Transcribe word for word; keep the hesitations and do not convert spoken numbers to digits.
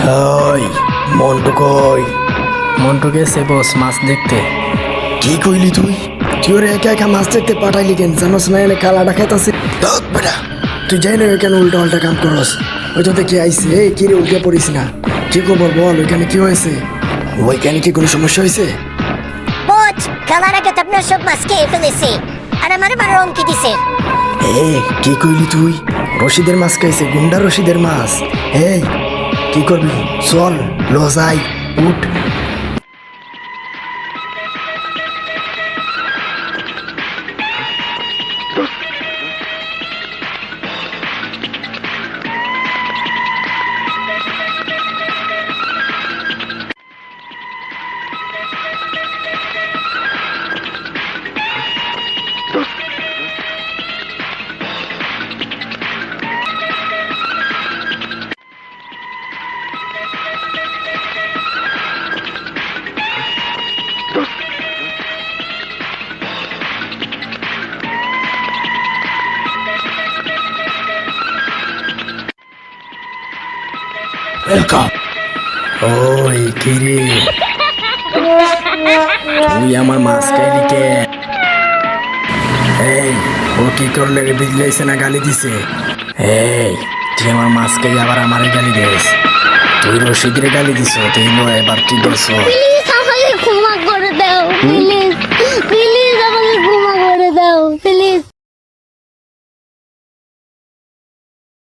ওই মন্টু কই? মন্টু গেছে বস মাছ দেখতে। কি কইলি তুই? তুই ওরে একা একা মাছ দেখতে পাঠাইলি কেন? জানোস না এনে কালাটা খাইতাছে। ধক বেটা, তুই যাই না কেন উল্টা পাল্টা কাম করস? ওই তো দেখি আইসে। এই কি রে, উল্টে পড়িস না। কি খবর বল, ওইখানে কি হয়েছে? ওইখানে কি কোনো সমস্যা হয়েছে? বোঝ, খেলার আগে তো আপনার সব মাছ খেয়ে ফেলেছে আর আমার মারার অঙ্কি দিছে। এ কি কইলি তুই? রশিদের মাছ খাইছে? গুন্ডা রশিদের মাছ? এই কি করবি? চল লজাই উঠ। ওয়েলকাম। ওই কি রে, তুই আমার মাছ খাইলি কে? এই ও কি করলে রে? বিজলাইছে না গালি দিছে? এই তুই আমার মাছ খাই আবার আমারে গালি দিস? তুই রশিদরে গালি দিছ, তুই নো এবার তুই দেছ। প্লিজ আমাকে ক্ষমা করে দাও, প্লিজ প্লিজ আমাকে ক্ষমা করে দাও, প্লিজ।